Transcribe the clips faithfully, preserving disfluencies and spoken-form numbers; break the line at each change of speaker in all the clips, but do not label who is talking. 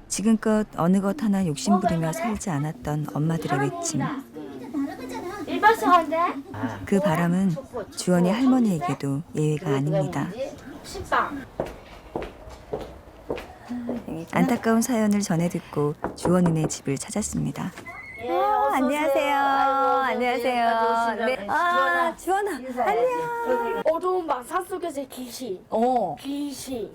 지금껏 어느 것 하나 욕심부리며 살지 않았던 엄마들의 외침.
일반성한데?
그 바람은 주원이 할머니에게도 예외가 아닙니다.
식빵.
안타까운 사연을 전해 듣고 주원이네 집을 찾았습니다.
아,
안녕하세요. 안녕하세요. 네. 아, 주원아. 안녕.
어두운 밤 산속에서의 귀신.
어.
귀신.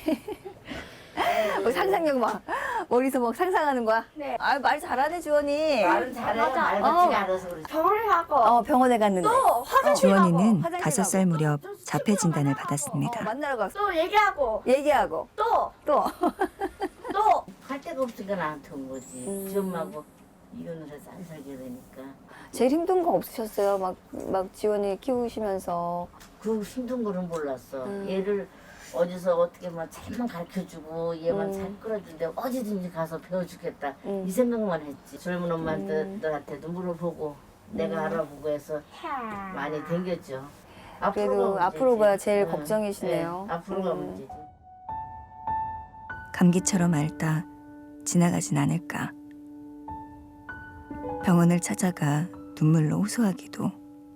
뭐 상상력 막 머리서 막 상상하는 거야?
네.
아, 말 잘하네, 주원이.
말은 잘해.
맞아.
말
어.
같지가 않아서 그렇지.
병원에 가고
어, 병원에 갔는데.
또 화장실
주원이는
가고
다섯 살 무렵 자폐 진단을 받았습니다.
만나러 갔어.
또 얘기하고
얘기하고
또
또
또
할 데가 없으니까 나한테 온 거지.
음.
지 엄마하고 이혼을 해서 안 살게 되니까.
제일 힘든 거 없으셨어요? 막, 막 지원이 키우시면서.
그 힘든 거는 몰랐어.
음.
얘를 어디서 어떻게 막 잘만 가르쳐주고 얘만
음.
잘 끌어준데 어디든지 가서 배워주겠다.
음.
이 생각만 했지. 젊은 엄마들한테도 물어보고 내가 알아보고 해서 많이 댕겼죠.
그래도
앞으로가
앞으로가
문제지.
제일
응,
걱정이시네요.
네, 앞으로가
음.
문제지.
감기처럼 앓다 지나가진 않을까. 병원을 찾아가 눈물로 호소하기도.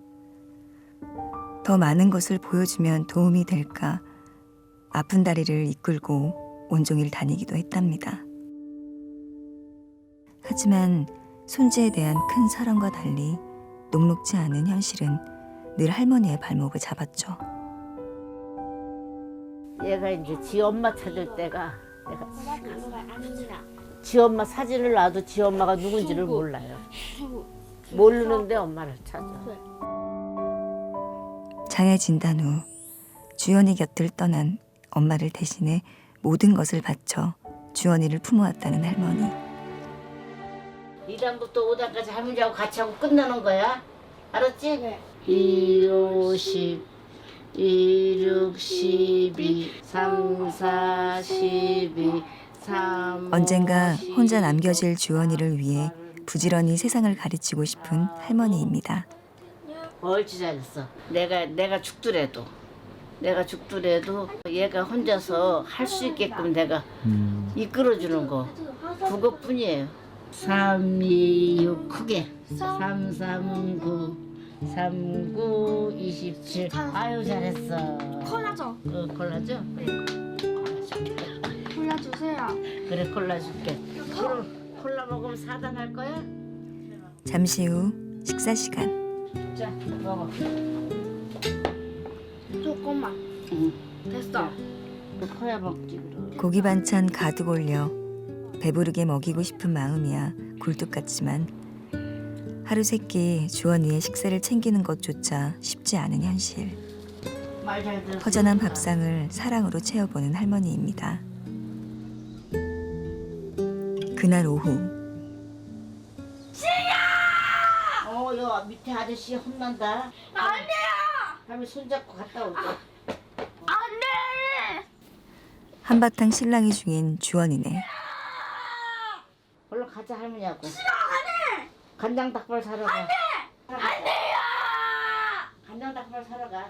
더 많은 것을 보여주면 도움이 될까. 아픈 다리를 이끌고 온종일 다니기도 했답니다. 하지만 손지에 대한 큰 사랑과 달리 녹록지 않은 현실은 늘 할머니의 발목을 잡았죠.
얘가 이제 지 엄마 찾을 때가 내가 지 엄마 사진을 놔도 지 엄마가 누군지를 몰라요. 모르는데 엄마를 찾아.
장애 진단 후 주연이 곁을 떠난 엄마를 대신해 모든 것을 바쳐 주원이를 품어왔다는 할머니.
이 단부터 오 단까지 할머니하고 같이 하고 끝나는 거야. 알았지?
네.
이, 오, 십, 이, 육, 십이, 삼, 사, 십이, 삼,
언젠가 혼자 남겨질 주원이를 위해 부지런히 세상을 가르치고 싶은 할머니입니다.
옳지 잘했어. 내가 내가 죽더라도 내가 죽더라도 얘가 혼자서 할 수 있게끔 내가 이끌어주는 거 그것뿐이에요. 삼, 이, 육 크게 삼, 삼, 구, 삼, 구, 이십칠. 아유 잘했어.
콜라죠?
어, 콜라죠?
콜라 주세요.
그래 콜라 줄게. 콜라, 콜라 먹으면 사단 할 거야?
잠시 후 식사 시간.
자 먹어.
조금만.
응.
됐어.
커야 먹지 그럼.
고기 반찬 가득 올려 배부르게 먹이고 싶은 마음이야 굴뚝 같지만 하루 세끼 주원이의 식사를 챙기는 것조차 쉽지 않은 현실.
말 잘 들어.
허전한 밥상을 사랑으로 채워보는 할머니입니다. 그날 오후
어, 여 밑에 아저씨 혼난다.
안 돼요.
다음에 손잡고 갔다 올게.
안 돼.
한바탕 신랑이 중인 주원이네.
얼른 가자 할머니하고. 싫어 안 해. 간장 닭발 사러 가. 안 돼.
안 돼요.
간장 닭발 사러 가.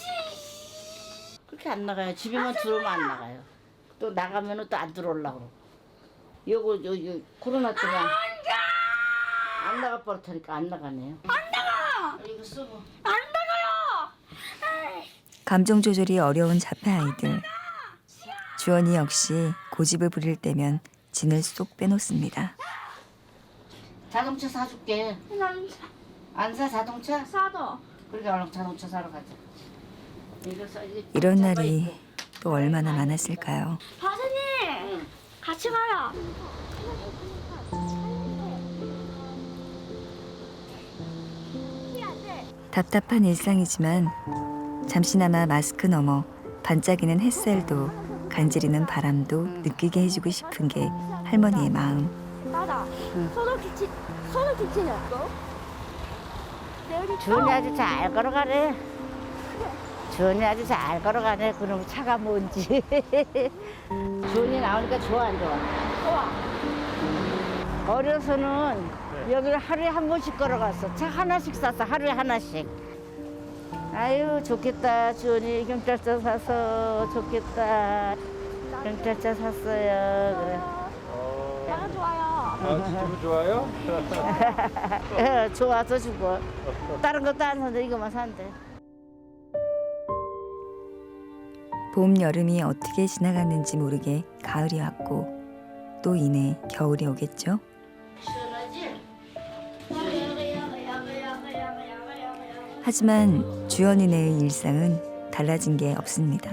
그렇게 안 나가요. 집에만 들어오면 안 나가요. 또 나가면은 또 안 들어오려고. 요거 요, 요 코로나 때문에 안 나가 버릇하니까 안 나가네요. 안 나가. 이거 쓰고.
안 나가요.
감정 조절이 어려운 자폐 아이들. 주원이 역시 고집을 부릴 때면 진을 쏙 빼놓습니다.
자동차 사줄게.
난
안 사 자동차?
사도.
그러니까 얼른 자동차 사러 가자. 이거 사- 이거
이런
잡아
날이
입고.
또 얼마나 많았을까요?
바사님
응.
같이 가요.
답답한 일상이지만 잠시나마 마스크 너머 반짝이는 햇살도 간지리는 바람도 느끼게 해주고 싶은 게 할머니의 마음.
맞아. 소독 기치 소독 기치였어.
주은이 아주 잘 걸어가네. 주은이 아주 잘 걸어가네. 그럼 차가 뭔지. 주은이 나오니까 좋아 안 좋아?
좋아.
어려서는 여기를 하루에 한 번씩 걸어갔어. 차 하나씩 샀어. 하루에 하나씩. 아유 좋겠다. 주은이 경찰차 사서 좋겠다. 경찰차 샀어요. 그래.
내가 좋아요.
아, 기분 좋아요?
예, 좋아서 주고 다른 것도 안 사는데 이거만 산대.
봄 여름이 어떻게 지나갔는지 모르게 가을이 왔고 또 이내 겨울이 오겠죠.
시원하지?
하지만 주연이네의 일상은 달라진 게 없습니다.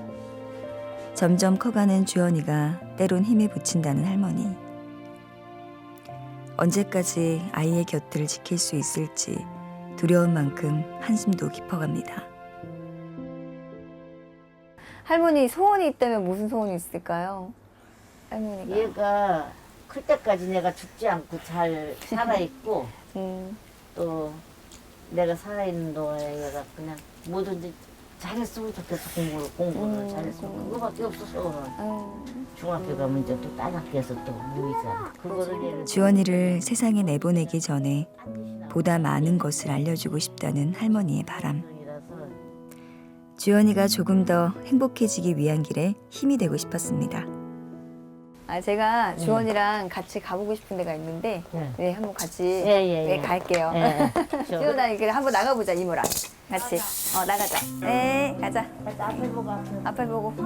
점점 커가는 주연이가 때론 힘에 부친다는 할머니. 언제까지 아이의 곁을 지킬 수 있을지 두려운 만큼 한숨도 깊어갑니다.
할머니 소원이 있다면 무슨 소원이 있을까요? 할머니가.
얘가 클 때까지 내가 죽지 않고 잘 살아있고
음.
또 내가 살아있는 동안에 얘가 그냥 뭐든지 잘했으면 좋겠어. 공부를 공부를
음,
잘했으면
음.
그거밖에 없어서 오늘
음.
중학교 가면 이제 또 딴 학교에서 또 모이잖아. 그거를 얘는
주연이를 세상에 내보내기 전에
반드시
보다 많은 것을 알려주고 싶다는 할머니의 바람.
나라서
주연이가 조금 더 행복해지기 위한 길에 힘이 되고 싶었습니다.
아 제가 주원이랑 같이 가보고 싶은 데가 있는데
네.
네 한번 같이
예예예.
네, 갈게요.
예.
지원아 이렇게 한번 나가보자 이모랑 같이. 어 나가자. 네 가자.
앞에 보고 앞에.
앞에 보고.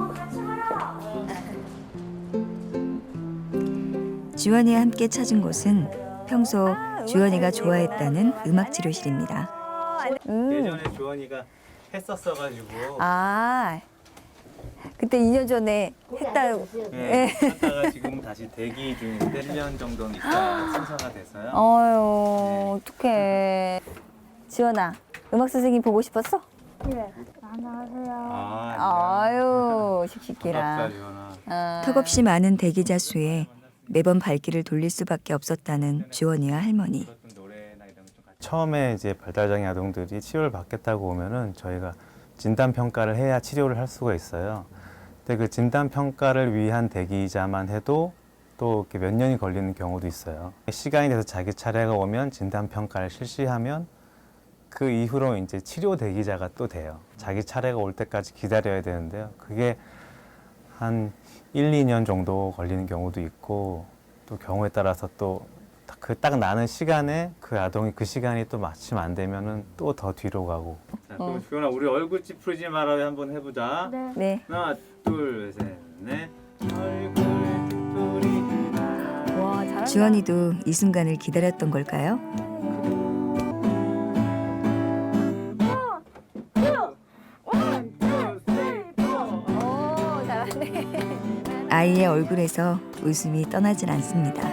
주연이와 함께 찾은 곳은 평소 주연이가 좋아했다는 음악 치료실입니다.
음.
예전에 주원이가 했었어가지고
아 그때 이 년 전에 했다.
예, 하다가 지금 다시 대기 중인데 일 년 정도니까 순서가 돼서요.
어유 어떡해. 지원아 음악 선생님 보고 싶었어?
네. 안녕하세요.
아,
아유
반갑다,
씩씩해라.
주원아.
어.
턱없이 많은 대기자 수에 매번 발길을 돌릴 수밖에 없었다는 주연이와 할머니.
들었던 노래나 이런 거좀 같이. 처음에 이제 발달장애 아동들이 치료를 받겠다고 오면은 저희가 진단 평가를 해야 치료를 할 수가 있어요. 근데 그 진단 평가를 위한 대기자만 해도 또 이렇게 몇 년이 걸리는 경우도 있어요. 시간이 돼서 자기 차례가 오면 진단 평가를 실시하면 그 이후로 이제 치료 대기자가 또 돼요. 자기 차례가 올 때까지 기다려야 되는데요. 그게 한 일, 이 년 정도 걸리는 경우도 있고 또 경우에 따라서 또 그 딱 나는 시간에 그 아동이 그 시간이 또 마침 안 되면은 또 더 뒤로 가고. 자, 그럼 주연아 우리 얼굴 찌푸리지 말아요 한번 해보자.
네.
네.
하나, 둘, 셋, 넷. 얼굴 찌푸리지 마.
와 잘한다.
주연이도 이 순간을 기다렸던 걸까요?
오 잘하네.
아이의 얼굴에서 웃음이 떠나질 않습니다.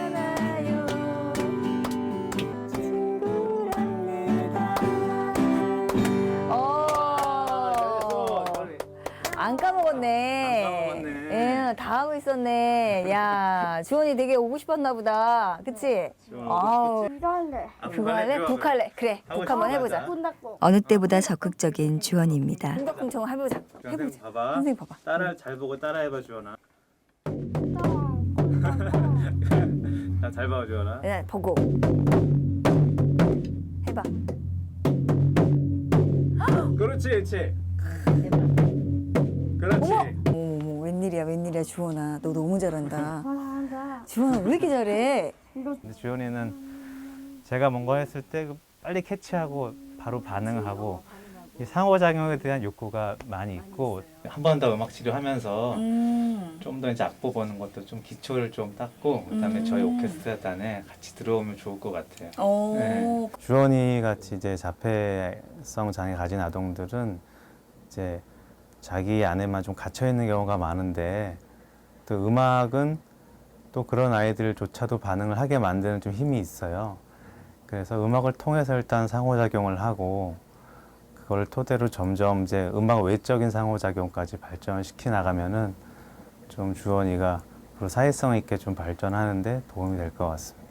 안 까먹었네.
안 까먹었네.
예, 다 하고 있었네. 야, 주원이 되게 오고 싶었나 보다. 그치?
주원아,
아우,
이거 할래.
아,
그거 할래?
좋아,
북
그래.
할래? 그래,
하고
북 한번
싶어,
해보자.
하자.
끝났고.
어느 때보다 적극적인 주연이입니다.
공덕궁청 해보자.
선생님
해보자.
봐봐.
선생님 봐봐.
따라 잘 보고 따라해봐 주원아. 자, 잘 봐 주원아.
네, 보고. 해봐.
그렇지, 그렇지. 그렇지.
어머, 어머, 웬일이야, 웬일이야, 주원아. 너 너무 잘한다.
잘한다.
주원아, 왜 이렇게 잘해?
근데 주연이는 제가 뭔가 했을 때 빨리 캐치하고 바로 반응하고 이 상호작용에 대한 욕구가 많이 있고 한 번 더 음악 치료하면서
음.
좀 더 이제 악보 보는 것도 좀 기초를 좀 닦고 그다음에 저희 오케스트라단에 같이 들어오면 좋을 것 같아요.
오.
네. 주원이 같이 이제 자폐성 장애 가진 아동들은 이제 자기 안에만 좀 갇혀 있는 경우가 많은데 또 음악은 또 그런 아이들조차도 반응을 하게 만드는 좀 힘이 있어요. 그래서 음악을 통해서 일단 상호작용을 하고 그걸 토대로 점점 이제 음악 외적인 상호작용까지 발전시키 나가면은 좀 주원이가 앞으로 사회성 있게 좀 발전하는데 도움이 될 것 같습니다.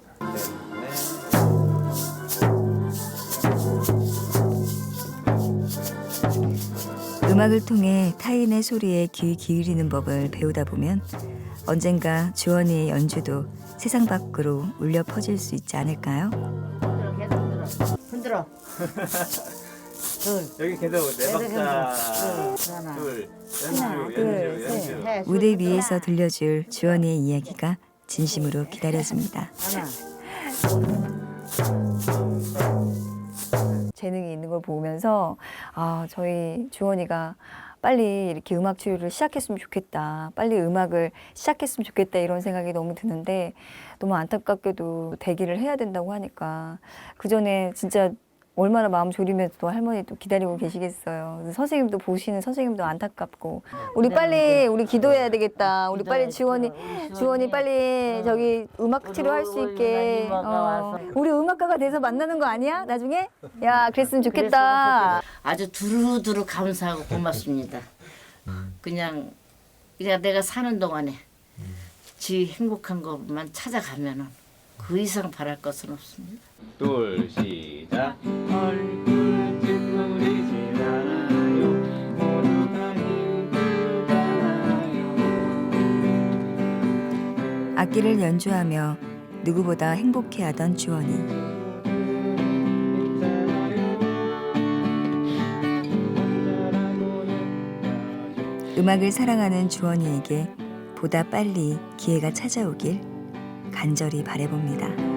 음악을 통해 타인의 소리에 귀 기울이는 법을 배우다 보면 언젠가 주원이의 연주도 세상 밖으로 울려 퍼질 수 있지 않을까요?
흔들어, 계속 흔들어. 흔들어. 둘.
여기 계속 네
계속
박자
흔들어. 둘.
둘 연주
하나,
연주
둘,
연주
해.
무대 위에서 들려줄 주원이의 이야기가 진심으로 기다려집니다.
하나.
재능이 있는 걸 보면서 아 저희 주원이가 빨리 이렇게 음악 치유를 시작했으면 좋겠다. 빨리 음악을 시작했으면 좋겠다 이런 생각이 너무 드는데 너무 안타깝게도 대기를 해야 된다고 하니까 그 전에 진짜 얼마나 마음 졸이면서 또 할머니 또 기다리고 계시겠어요. 그래서 선생님도 보시는 선생님도 안타깝고 우리 빨리 우리 기도해야 되겠다. 우리 빨리 지원이 지원이 빨리 저기 음악 치료할 수 있게 어, 우리 음악가가 돼서 만나는 거 아니야? 나중에? 야 그랬으면 좋겠다.
아주 두루두루 감사하고 고맙습니다. 그냥 그냥 내가 사는 동안에 지 행복한 것만 찾아가면은 그 이상 바랄 것은 없습니다.
둘 시작. 얼굴 찌푸리지 않아요. 모두가 힘들잖아요.
악기를 연주하며 누구보다 행복해하던 주원이. 음악을 사랑하는 주원이에게 보다 빨리 기회가 찾아오길 간절히 바라봅니다.